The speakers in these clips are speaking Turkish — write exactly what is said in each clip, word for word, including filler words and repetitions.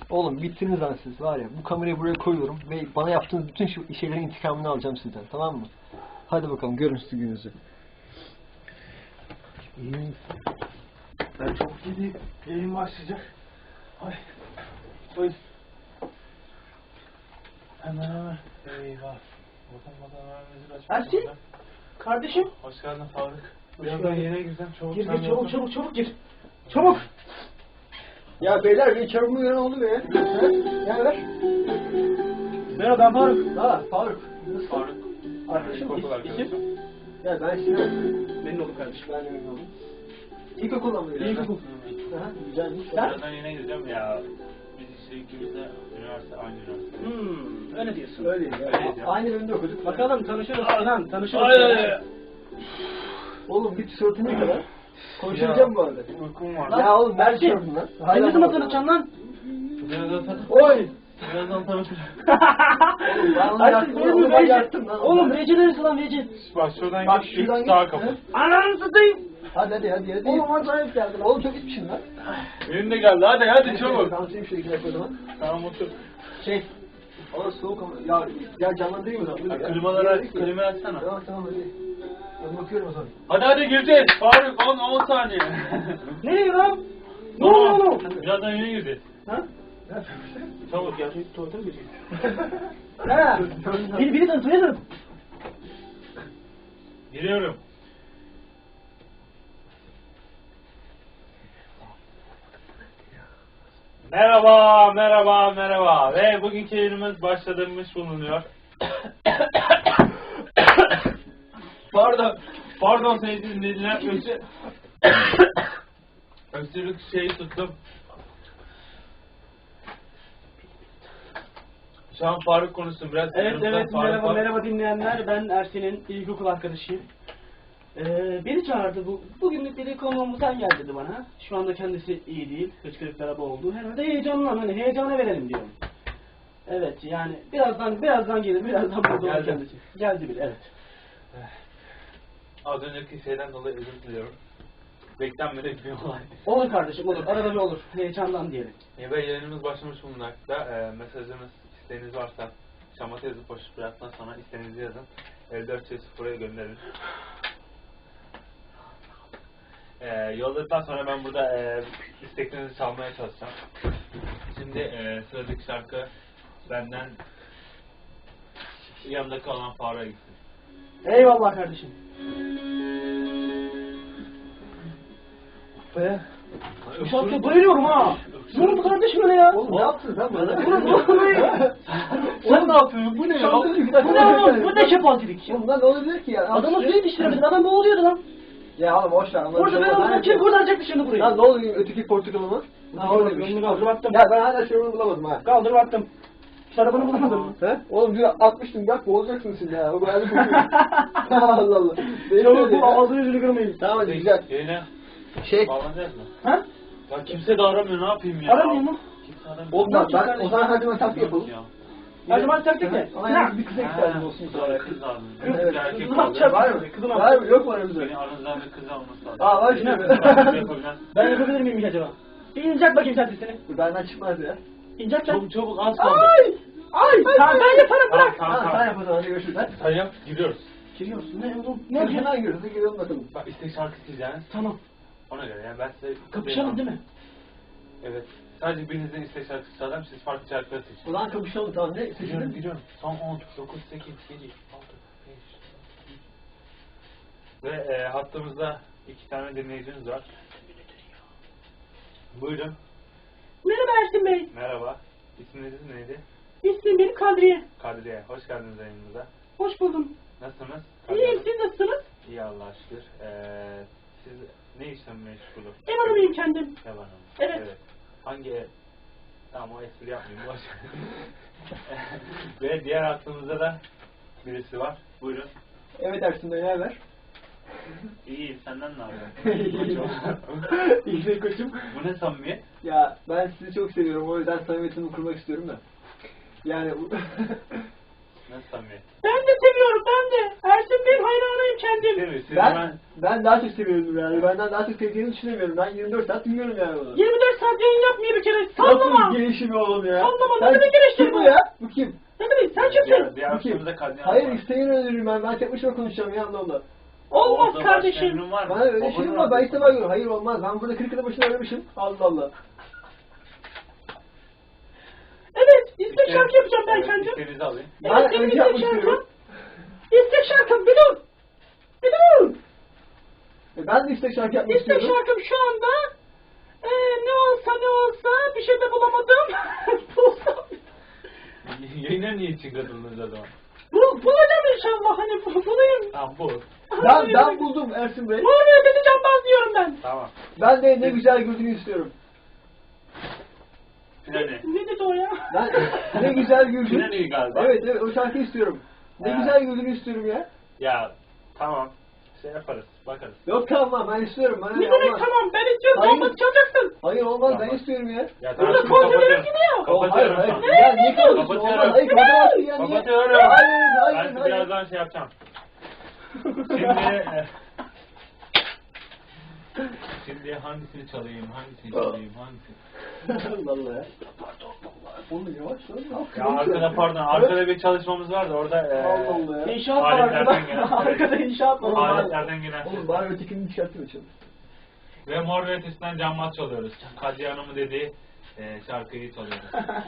Oğlum bittiniz lan siz var ya. Bu kamerayı buraya koyuyorum ve bana yaptığınız bütün şu şeylerin intikamını alacağım sizden. Tamam mı? Hadi bakalım görün siz gününüzü. Ben çok gideyim. Yayın başlayacak. Ay. Oy. Hemen hemen. Eyvah. Buradan buradan vermemizi açmak. Ersin. Kardeşim. Hoş geldin Faruk. Birazdan yine gireceğim. Çabuk Gir sen gir çabuk yapın. çabuk çabuk gir. Çabuk. Ya beyler bir çabuk mu oldu be? Ya ver. Merhaba ben Faruk. Ha Faruk. Nasıl? Faruk. Arkadaşım İlkokul is- arkadaşım. isim? Ya ben Sinan. Memnun oldum kardeşim. Ben de memnun oldum. İlkokuldan mı? İlkokul. Aha, güzelmiş. Sen? Birazdan yine gireceğim ya. Biz işte ikimiz de üniversite, aynı üniversite. Hmm, öyle diyorsun. Öyle ya. Öyleyiz ya. Aynı bölümde okuduk. Bakalım tanışırız Sinan tanışırız. Ay ay ay. Oğlum bir tişörtü ne kadar? Konuşacağım bu arada. Uykum var. Ya oğlum ver Ersin. tişörtünü lan. Sen ne zaman tanışacaksın lan? Birazdan tanış. Oy! Birazdan tanışacağım. Ben onu Ersin yaktım, benim onu ben Reci. yaktım lan. Oğlum Reci neresi lan Reci? Bak şuradan Bak git, şuradan üç daha git. kapı. Ananı satayım. Hadi hadi hadi hadi. Oğlum hadi ayıp geldin. Oğlum çok içmişsin lan. Benim de geldi, hadi hadi çabuk. Dansayım şöyle iki dakika o zaman. Tamam otur. Şey. Oğlum soğuk ama. Ya, ya canlandırayım mı lan? Ya, klimaları aç, klimayı açsana. Tamam tamam hadi. Ben bakıyorum o zaman. Hadi hadi gireceğiz. Faruk on on saniye. Nereye lan? Ne oluyor oğlum? Birazdan yine gireceğiz. Ha? Çabuk ya. Tuvalete mi gireyim? Ha? Biri biri tanıtıyor ya. Giriyorum. Merhaba, merhaba, merhaba. Ve bugünkü yayınımız başladığımız bulunuyor. pardon, pardon sevgili dinleyiciler. Öksü... Öksürük şeyi tuttum. Şu an Faruk konuşsun biraz. Evet Yanımda evet Faruk merhaba var. merhaba dinleyenler. Ben Ersin'in ilkokul arkadaşıyım. Ee, beni çağırdı bu. Bugünlük dedi konuğumu sen gel dedi bana. Şu anda kendisi iyi değil. Hıçkırıklara boğuldu. Herhalde heyecanlan hani heyecana verelim diyorum. Evet yani birazdan birazdan gelir birazdan burada olur Geldi. kendisi. Geldi bile evet. Az önceki şeyden dolayı özür diliyorum. Beklenmedik bir olay. Olur kardeşim olur. Arada bir olur. Heyecandan diyelim. E, ve yayınımız başlamış bulunmakta. E, mesajınız, isteğiniz varsa şamata yazıp boşluk bıraktıktan sonra isteğinizi yazın. elli dört yüz buraya gönderin. E, yolladıktan sonra ben burada e, isteklerinizi çalmaya çalışacağım. Şimdi e, sıradaki şarkı benden yanındaki olan Faruk'a gitsin. Eyvallah kardeşim. Be. Bu şarkıya bayılıyorum ha. Ne oldu kardeşim öyle ya? Oğlum ne yaptın sen bana? Oğlum ne oluyor? Sen ne yapıyorsun? Bu ne ya? Bu ne oğlum? Bu ne kepazelik ya? Oğlum lan ne olabilir ki ya? Adamı suya yetiştiremedin. Adam boğuluyordu lan. Ya oğlum boş ver. Orada ben oradan kim kurtaracaktı şimdi burayı? Lan ne oluyor öteki portakalımı? Ha orada gönlünü kaldır baktım. Ya ben hala şurumu bulamadım ha. Kaldır baktım. Şarabını bulamadım. He? Oğlum dün atmıştım bak boğulacaksın şimdi ya. O kadar bir kokuyor. Allah Allah. Benim Çabuk öyle bu ya. ağzını yüzünü kırmayın. Tamam hadi güzel. Yayına Şey. bağlanacağız mı? Ha? Ya kimse de aramıyor, ne yapayım ya? Aramıyor mu? Kimse aramıyor. Oğlum lan ben o zaman hadi ben takip yapalım. Ya. Her zaman taktik de. Ama yani bir kıza ihtiyacım olsun Ha, sonra. kız lazım. Evet. Bir erkek Kız lazım. yapacak. Var mı? Kızın Var mı? Yok mu aramızda? Senin aranızdan bir kız alması lazım. Aa var şimdi. Yapabilen. Ben yapabilir miyim hiç acaba? Bir incek bakayım sen sesini. Bu benden çıkmaz ya. İncek sen. Çabuk çabuk az kaldı. Ay! Ay! Tamam ben yaparım bırak. Tamam, Ha tamam. sen yap o zaman hadi görüşürüz. Hadi. Sen yap, gidiyoruz. Giriyorsun ne oğlum? Ne Ne yapıyorsun? hemen görürüz. Hadi girelim bakalım. Bak istek şarkı isteyeceğiniz. Tamam. Ona göre yani ben size... Kapışalım değil mi? Evet. Sadece birinizden istek şarkısı çalacağım, siz farklı şarkıları seçin. Ulan kapışalım tamam ne? Gidiyorum, Seçelim. gidiyorum. Son on, dokuz, sekiz, yedi, altı, beş. Ve e, hattımızda iki tane dinleyicimiz var. Buyurun. Merhaba Ersin Bey. Merhaba. İsminiz neydi? İsmim benim Kadriye. Kadriye. Hoş geldiniz yayınımıza. Hoş buldum. Nasılsınız? İyiyim siz nasılsınız? İyi Allah'a şükür. Ee, siz ne işle meşgulü? Ev hanımıyım kendim. Ev hanımı. Evet. Hangi ev? Tamam o espri yapmayayım. Boş. Ve diğer hattımızda da birisi var. Buyurun. Evet Ersin Bey ne haber? İyi, senden ne haber? İyi be koçum. Bu ne samimiyet? Ya ben sizi çok seviyorum o yüzden samimiyetimi kurmak istiyorum da. Yani bu... Nasıl samimiyet? Ben de seviyorum ben de. Ersin Bey'in hayranıyım kendim. Değil mi? Siz ben, ben... ben daha çok seviyorum yani. Benden daha çok sevdiğini düşünemiyorum. Ben yirmi dört saat dinliyorum yani bunu. yirmi dört saat yayın yapmıyor bir kere. Sallama. Nasıl kardeşim oğlum ya. Anlamadım, Sen ne demek eleştiri kim bu bu? ya? Bu kim? Ne demek sen Diğer, kimsin? diğer Bu kim? üstümüzde kadınlar Hayır var. isteğini öldürürüm ben. Ben tek başıma konuşacağım ya Allah Allah. Olmaz Orada kardeşim. başka emrin var mı? Bana öyle şey Babanın mi var? Ben adresi ilk defa görüyorum. Hayır olmaz. Ben burada kırk yılın başına aramışım. Allah Allah. Evet, istek İşte- şarkı yapacağım ben Evet, kendim. İsteğinizi alayım. Ben Evet, benim önce istek yapmak şarkım. istiyorum. İstek şarkım, bir dur. Bir dur. E, Ben de istek şarkı yapmak İstek istiyorum. şarkım şu anda eee ne olsa ne olsa bir şey de bulamadım. Bulsam. Yayına niye için katıldınız o zaman? Bul, bulacağım inşallah hani bu- bulayım. Tamam bu. Ben, ben buldum Ersin Bey. Muhammed Beni Canbaz diyorum ben. Tamam. Ben de ne güzel güldüğünü istiyorum. Finali. Ne dedi o ya? Ben ne güzel güldün. Finali galiba. Evet evet o şarkıyı istiyorum. Ne Ha. güzel güldüğünü istiyorum ya. Ya tamam. Şey yaparız. Bakarız. Yok tamam ben istiyorum. Bana Ne ne demek olmaz. tamam ben istiyorum Hayır. olmaz çalacaksın. Hayır olmaz ben Tamam. istiyorum ya. Ya Burada şimdi kontrolör kapatıyorum. gidiyor. O, hayır Kapatıyorum hayır. şu an. Ya niye kapatıyorsun? Kapatıyorum. Olmaz. Hayır kapatamazsın ya. Niye? Kapatıyorum. Hayır hayır Ben hayır. birazdan şey yapacağım. Şimdi e, Şimdi hangisini çalayım, hangisini çalayım, hangisini? Vallahi ya. Pardon vallahi. Oğlum yavaş lan. Ya arkada pardon, arkada bir çalışmamız vardı orada. E, Allah Allah ya. İnşaat var arkada. Aletlerden gelen. Arkada inşaat var. Oğlum, Aletlerden gelen. Oğlum bari ötekini çıkartma çalın. Ve Mor ve Ötesi'nden Canmaz çalıyoruz. Kadriye Hanım'ın dediği e, şarkıyı çalıyoruz.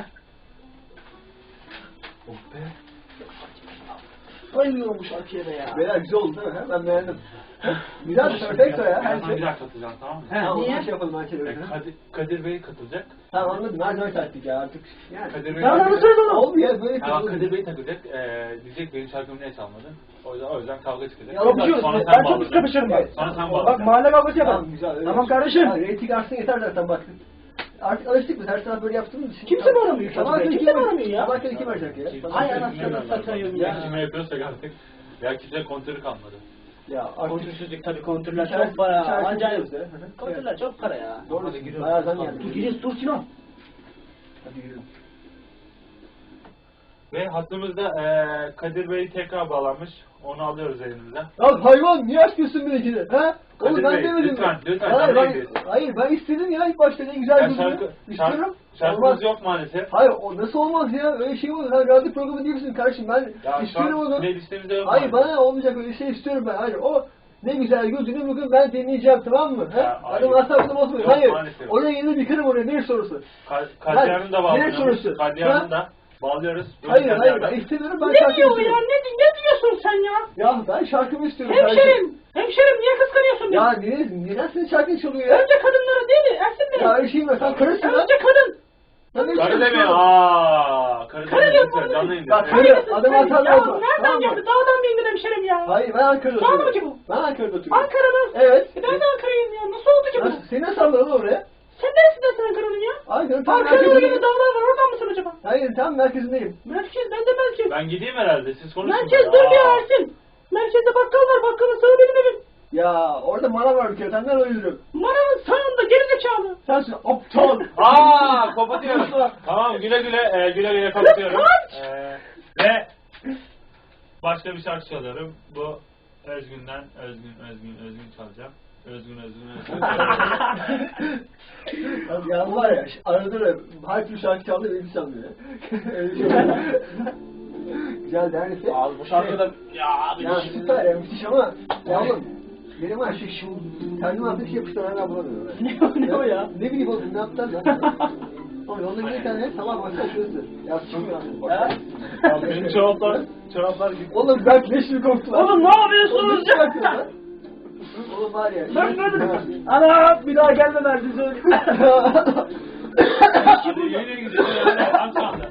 Oh be. Bayılıyorum bu şarkıya da ya. Beyler güzel oldu değil mi? Ben beğendim. Güzel bir perfecto ya. Her Ben şey. bir daha katılacağım, tamam mı? He, Tamam niye? o şey yapalım her şey E, öyle. Kadir, Kadir Bey katılacak. Tamam anladım. Her zaman taktik ya artık. Yani. Kadir Bey Tamam, takılacak. anlatıyorum. Oldu ya böyle Tamam, kızılır. Kadir Bey takılacak. E, diyecek benim şarkımı niye çalmadın? O yüzden, o yüzden kavga çıkacak. Ya, Kapışıyoruz. Sonra sen Ben çok pis bağlayacaksın. kapışırım bak. Sonra sen Bak bağlayacaksın. mahalle kavgası Tamam yapalım. güzel. öyle. Tamam kardeşim. Ya, reyting artsın yeter zaten bak. Artık alıştık biz her sabah böyle yaptığımız için. Kimse mi aramıyor şu an? Sabah Kimse kim mi aramıyor ya? Sabah kim arayacak ya? Kim- Sabah- Ay, kimse anasını bilmiyorum ben. satayım Ya. ya. Kime yapıyorsak artık. Ya kimse kontörü kalmadı. Ya artık. Kontürsüzlük tabii kontürler İçerisi- çok para. içerisi Acayip. biliyoruz ya. Hı hı. Kontürler çok para ya. Doğru. Hadi giriyoruz. Bayağı zam Tamam. geldi. Dur giriyoruz dur Sinan. Hadi yürü. Ve hattımızda eee Kadir Bey tekrar bağlanmış. Onu alıyoruz elimize. Ya hayvan niye açmıyorsun benimkini? Ha? Oğlum Kadir ben Bey, demedim lütfen, mi? lütfen, Hayır, canlı ben, yayındayız. hayır ben istedim ya ilk başta ne güzel Ya güldü. şarkı, İstiyorum. şarkı, şarkımız Olmaz. yok maalesef. Hayır o nasıl olmaz ya? Öyle şey olur. Sen radyo programı değil misin kardeşim? Ben Ya şu istiyorum an onu. playlistemizde yok Hayır maalesef. bana olmayacak öyle şey istiyorum ben. Hayır o ne güzel güldüğünü bugün ben dinleyeceğim tamam mı? Ya, Ha? hayır. Adam asabını bozmuyor. Yok, Hayır. maalesef. Oraya yeni bir kırım oraya. Ne sorusu? Ka- Kadriye Hanım da Ne sorusu? bağlıyoruz. Kadriye Ha? Hanım da bağlıyoruz. Buyurun Hayır Kadriye hayır ben Hanım. istemiyorum ben Ne şarkı diyor ya? istiyorum. Ne, ne diyorsun sen ya? Ya ben şarkımı istiyorum. kardeşim. Hemşerim. Hemşerim niye kıskanıyorsun Ya beni? niye, neden senin şarkın çalıyor ya? Önce kadınlara değil mi? Ersin Bey. Ya öyle şey mi? Sen karısın lan. Önce kadın. Sen ne Karı biçim deme. konuşuyorsun? Aaa. Karı Karı deme. diyorum Lütfen bana. canlı yayındayız. Bak, Evet. karı- adam Ya hatalı oldu. nereden Tamam mı? geldi? Dağdan mı indin hemşerim ya? Hayır ben Ankara'da Tamam oturuyorum. mı ki bu? Ben Ankara'da oturuyorum. Ankara mı? Evet. E ben de Ankara'yım ya. Nasıl oldu ki bu? Nasıl? Seni nasıl aldılar oraya? Sen neresinden Ankara'nın ya? Ankara tam Ankara'nın öyle merkezindeyim. bir dağlar var. Oradan mısın acaba? Hayır tam merkezindeyim. Merkez. Ben de merkez. Ben gideyim herhalde. Siz konuşun. Merkez Aa. dur bir Ersin. Merkezde bakkal var. Bakkalın sağı benim evim. Ya orada manav var bir kere. Senden oynuyorum. Manavın sağında gerizekalı. Sensin aptal. Aa, kapatıyorum. Tamam, güle güle, e, güle güle kapatıyorum. E, ve başka bir şarkı çalıyorum. Bu Özgün'den Özgün, Özgün, Özgün çalacağım. Özgün, Özgün, Özgün çalacağım. Abi ya var ya arada da her türlü şarkı çaldı beni çalmıyor ya. Öyle bir şey var. Güzel dersi. Abi bu şarkıda ya abi. Ya süper ya müthiş ama ya oğlum benim var şey şu kendim altı bir şey yapmışlar hala bulamıyorum. Ne o, ne o ya? Ne bileyim oğlum ne yaptılar lan? Oğlum onda bir tane sabah baksana şurası. Ya çıkmıyor Ha? abi. Benim çoraplar, çoraplar gibi. Oğlum ben leş mi koktu lan? Oğlum ne yapıyorsunuz Oğlum, ya? ne yapıyorsun lan? Oğlum var ya. Ben böyle ana bir daha gelme derdi söyle. Hadi yeni gidiyor yani. Aç anda.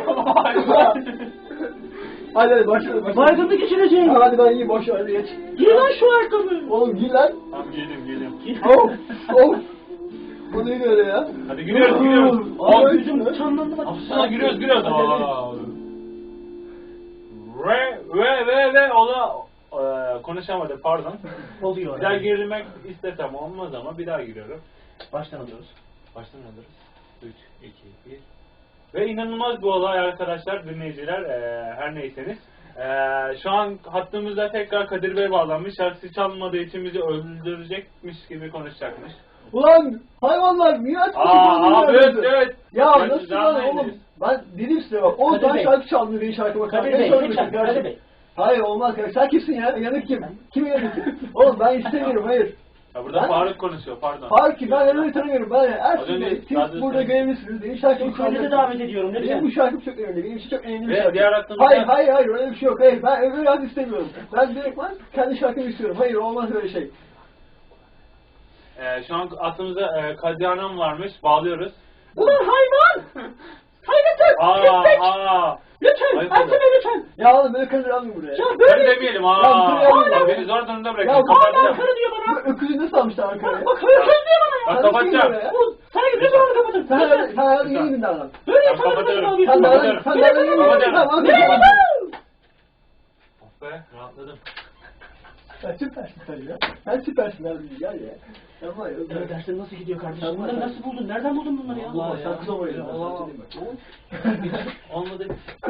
Hadi hadi başlayalım. başlayalım. Baygınlık geçireceğim. Ha, hadi ben iyi boş ver hadi geç. Giy lan şu ayakkabı. Oğlum giy lan. Tamam, giydim, giydim. Of of. Bu neydi öyle ya? Hadi giriyoruz, giriyoruz. Ay, On. yüzüm Çanlandı bak. Sana giriyoruz, giriyoruz. Hadi, hadi. Aa. Ve, ve, ve, ve, ona e, konuşamadım, pardon. Oluyor. Bir daha girmek istesem olmaz ama bir daha giriyorum. Baştan alıyoruz. Baştan alırız. üç, iki, bir. Ve inanılmaz bir olay arkadaşlar, dinleyiciler, e, her neyseniz. E, şu an hattımızda tekrar Kadir Bey bağlanmış. Şarkısı çalmadığı için bizi öldürecekmiş gibi konuşacakmış. Ulan hayvanlar niye açmış? Aa abi evet evet. Ya Ben nasıl size lan anlayın oğlum? dedim. Ben dedim size bak. on Kadir tane Bey. şarkı çaldı benim şarkıma. Kadir Ben Bey, söylemedim lütfen, kardeşim. Kadir Bey. Hayır olmaz kardeşim. Sen kimsin ya? Yanık kim? Kim yanık kim? Oğlum ben istemiyorum hayır. Ya burada Ben- Faruk konuşuyor pardon. Hayır ki ben öyle tanımıyorum. Ben Az Ersin önce Bey, siz radyoda burada söyledim. görevlisiniz. Benim şarkımı Yukarıda da davet ediyorum Benim lütfen. bu şarkım çok önemli. Benim için çok önemli bir Ve şarkı. diğer aklımda- Hayır hayır hayır öyle bir şey yok. Hayır ben öyle şarkı istemiyorum. Ben direkt ben kendi şarkımı istiyorum. Hayır olmaz öyle şey. Ee, şu an aklımızda e, Kadriye Hanım varmış. Bağlıyoruz. Ulan hayvan! Hayvan! Aa Köpek! aa. Lütfen! Ayıp Ersin oldu. Bey lütfen! Ya oğlum böyle karı almayın buraya. Ya Öyle böyle... demeyelim Ya, aa. dur ya. Bak beni zor durumda bırakın. Ya, Hala Kapatacağım. karı diyor bana! Ö- Öküzü nasıl almışlar Ankara'ya? Bak hayır kız diyor bana ya! Bak Sen kapatacağım. nasıl Bu sana lütfen onu kapatın. Sen Lütfen. sen hayatın iyi miydin adam? Böyle Ben sana kapatıyorum. kapatın. Sen de Kapatıyorum. sen de iyi miydin? Kapatıyorum. Tamam Ne okey. yapalım? Oh be rahatladım. Sen süpersin sen ya. Sen süpersin abi gel ya. Sen var ya. Evet dersler nasıl gidiyor kardeşim? Sen- Bunları nasıl buldun? Nereden buldun bunları ya? Allah sen kız olmayı Olmadı.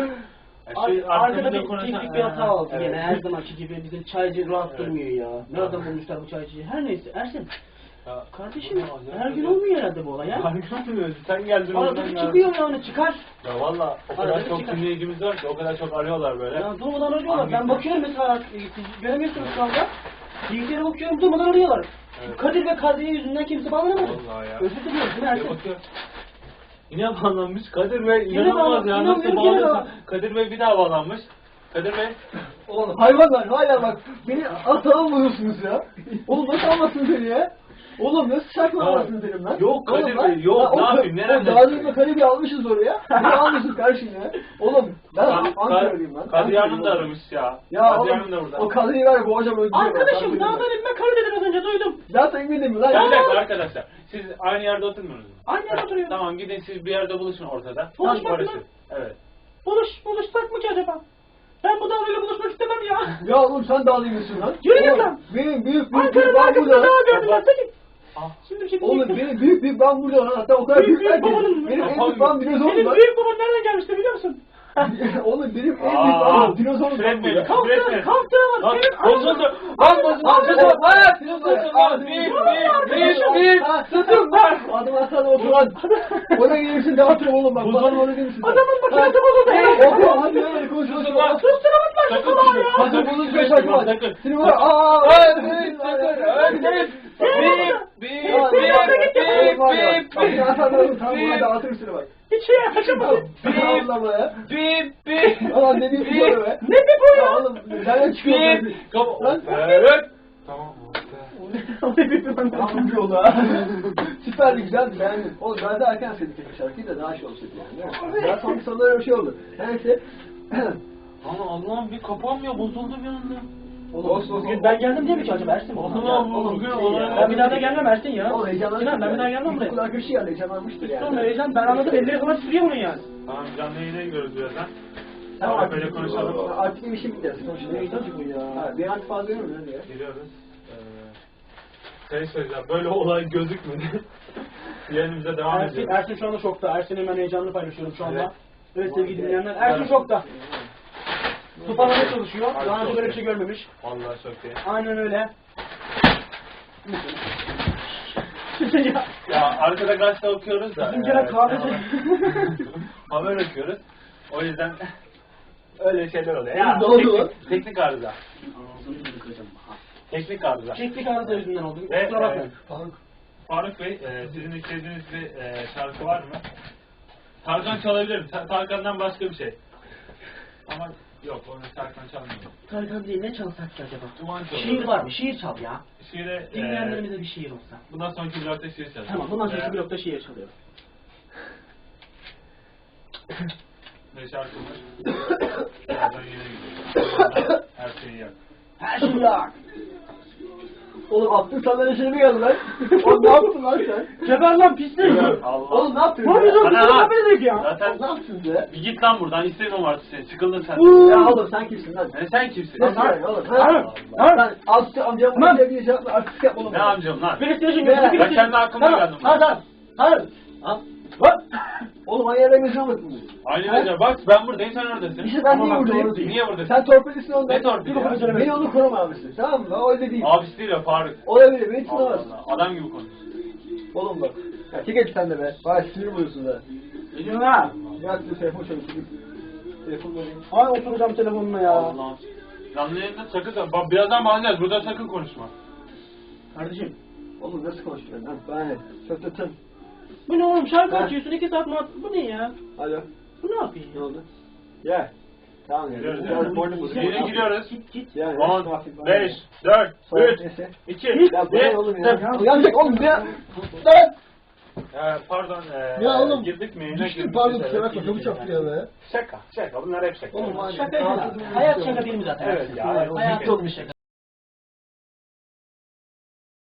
Ar- Şu Arkada arkamızda bir konuşan- teknik bir hata oldu Evet. gene her zamanki gibi bizim çaycı rahat Evet. durmuyor ya. Nereden bulmuşlar bu çaycıyı? Her neyse Ersin. Ya, Kardeşim bu ne her acayip gün acayip. olmuyor herhalde bu olay ya. Harika duruyor. Sen geldin Arada oradan bir geldin. çıkıyor yani çıkar. Ya valla o kadar Arada çok çıkar. dinleyicimiz var ki o kadar çok arıyorlar böyle. Ya durmadan arıyorlar. Ben Hangisi? bakıyorum mesela e, siz göremiyorsunuz şu anda. Bilgisayara bakıyorum durmadan arıyorlar. Evet. Kadir ve Kadriye yüzünden kimse bağlanamadı. Vallahi ya. Özür diliyorum değil mi Bir Ersin? bakıyor. Yine bağlanmış Kadir Bey Yine inanılmaz bağlan- ya inanmıyorum, nasıl yine bağlıyorsun? bağlan- Kadir Bey bir daha bağlanmış. Kadir Bey Oğlum hayvanlar hala bak beni atalım buluyorsunuz ya. Oğlum nasıl almasın seni ya? Oğlum nasıl şarkı Ya, almasın dedim lan? yok Oğlum Kadir lan, Bey, yok, lan o ne ka- yapayım, nereden O Dağlı'yı çıkıyor? Karibi almışız oraya. Ne almışız karşın ya? Oğlum ben Ka- Ankara'lıyım lan. Kadriye Hanım da Ankara'lıyım. aramış ya. Ya Kadriye Hanım da oğlum burada. o Kadriye'yi var ya bu hocam öldürüyor. Arkadaşım dağdan inme karı dedim az önce duydum. Zaten inmedim mi lan? Ya bir Ya. dakika arkadaşlar. Siz aynı yerde oturmuyorsunuz mu? Aynı yerde oturuyoruz. Tamam gidin siz bir yerde buluşun ortada. Buluşmak Tamam, barışın. mı? Evet. Buluş, buluşsak mı ki acaba? Ben bu dağıyla buluşmak istemem ya. Ya oğlum sen Dağlı'yı mısın lan? Yürü git Oğlum, lan. Benim büyük büyük büyük Ankara'nın ben arkasında burada. dağ gördüm ben seni. Ah. Şimdi bir şey Oğlum diyecektim. benim büyük büyük ben burada lan. Hatta o kadar Büyük büyük büyük ben ki. babanın mı? Benim en Kafam büyük ben dinozor Senin lan. büyük baban nereden gelmişti biliyor musun? Oğlum benim en büyük Aa, ben dinozorum Fred lan Bey, burada. kalk. Kalktı, Üretme. kalktı. Lan Senin bozuldu. ananı- Lan bozuldu. Abi, Bozuldu. hayat, Bozuldu. Abi, Bir, Abi, bir, bir, bir. Ha, Tutun lan. Adım atsana otur lan. Ona gelirsin dağıtırım oğlum bak. Bozuldu. Bana öyle değil misin? Adamın makinesi bozuldu. Hey, Oku hadi öyle konuşuyorsun. Sus lan. Susturamadılar şu Sakın kulağı sus. ya. Hadi Sakın bunu sus. bir şarkı var. Sakın. Seni var. Aaa. Öldürün, sakın, öldürün. Bip, bip, Bip, bip, bip, bip, Bak bip, ya sen de tamam bip. buna dağıtırım seni bak. Hiç şey yaklaşamadım. Bip. Allah ya. bip, bip. Ulan ne bir şey be. Ne bir bu Ya ya? oğlum nereden çıkıyor bu? Bip. Kapa- Lan. Evet. Tamam. Ne bir bu? Tamam bir oldu ha. Süperdi güzeldi beğendim. Oğlum ben de erken sevdik bu şarkıyı da daha şey olsaydı yani. Değil mi? Daha sonra sonunda öyle bir şey oldu. Neyse. Lan Allah'ım bir kapanmıyor, bozuldu bir anda. Oğlum, Bugün ben geldim diye mi ki acaba Ersin? Allah'ım oğlum, bugün şey olarak. ya. Ben bir daha da gelmem Ersin ya. Oğlum heyecanlanmıştır. Sinan ben bir daha gelmem buraya. Kul arkadaşı geldi heyecanlanmıştır yani. Sonra heyecan ben anladım elleri falan titriyor bunun yani. Tamam canlı yayına gidiyoruz birazdan. Tamam Tamam böyle konuşalım. Artık bir işim bitti. Konuşalım. Ne tabii bu ya. Ha, bir an fazla yok mu lan ya? Giriyoruz. Ee, şey söyleyeceğim, böyle olay gözükmedi. Yerimize devam Ersin, ediyoruz. Ersin şu anda şokta. Ersin'in ben heyecanını paylaşıyorum şu anda. Evet. Evet sevgili dinleyenler. Ersin şokta. Toparlamaya çalışıyor. Harbi Daha önce çok böyle bir iyi. şey görmemiş. Vallahi çok iyi. Aynen öyle. ya. Ya arkada gazete okuyoruz da. Bizimkiler e, kahve- haber- Haber okuyoruz. O yüzden öyle şeyler oluyor. Ya, Ne oldu lan? teknik, teknik arıza. Teknik arıza. Teknik arıza yüzünden oldu. Ve, Kusura bakmayın. Faruk. Faruk Bey, e, sizin istediğiniz bir e, şarkı var mı? Tarkan çalabilirim. Ta- Tarkan'dan başka bir şey. Ama yok, onu Tarkan çalmıyor. Tarkan değil ne çalsak ki acaba? Duman çalıyor. Şiir var mı? Şiir çal ya. Şiire, e, Dinleyenlerimize bir şiir olsa. bundan sonraki blokta şiir çalacağım. Tamam bundan sonraki Veya- blokta şiir çalıyorum. Ve şarkımız. Birazdan yine gidiyor. Her şeyi yap. Her şey ya. Oğlum attın sana şey mi geldi lan? Oğlum ne yaptın lan sen? Geber lan pislik. Allah. Oğlum ne yaptın Ne yapıyorsun? Ana, Kusura ana. bakmayın ya. Zaten Oğlum ne yaptın be? bir git lan buradan. İstemiyorum artık seni. Sıkıldın sen. Ya oğlum sen kimsin lan? Ne sen kimsin? Nasıl yani oğlum? Lan, Ha? lan. Sen amca amcam Lan. bir şey yapma artist yapma oğlum. Ne amcam lan? PlayStation Ben- gözü ben kendi aklımda geldim. Hadi hadi. Hadi. Ha? Lan! Oğlum aynı yerden gözüne bakın. Aynen öyle. Bak ben buradayım sen oradasın. İşte ben Ama niye bak, buradayım? doğru değil. Niye buradasın? Sen torpilisin ondan. Ne torpili ya? Beni onu koruma abisi. Tamam mı? O öyle değil. Abisi değil o Faruk. O öyle beni Allah tutamaz. Allah. Adam gibi konuş. Oğlum bak. Ya çek et sen de be. Bana sinir buluyorsun da. Ne diyorsun ha? Ya size telefon çalışayım. Telefon vereyim. Ay oturacağım telefonuna ya. Allah. Canlı yayında sakın, bak birazdan bağlayacağız. Burada sakın konuşma. Kardeşim. Oğlum nasıl konuşuyorsun lan? Bana ne? Sötletin. Bu ne oğlum şarkı Ha? açıyorsun iki saat muhabbet. Bu ne ya? Alo. Bu ne yapıyor Ne ya? oldu? Gel. Tamam ya. Giriyoruz. Biraz morning bozuk. Yine giriyoruz. Git git. Yani. on, beş, dört, üç, iki, Ya bu ne bir. oğlum ya? Uyanacak oğlum ya. Lan. Ee, pardon. E, Ya oğlum. Girdik mi? Düştüm pardon kusura bakma. Kapı çarptı ya be. Şaka. Şaka. Bunlar hep şaka. Oğlum, Şaka ya. Hayat şaka değil mi zaten? Evet ya, hayat Hayat yok bir şaka.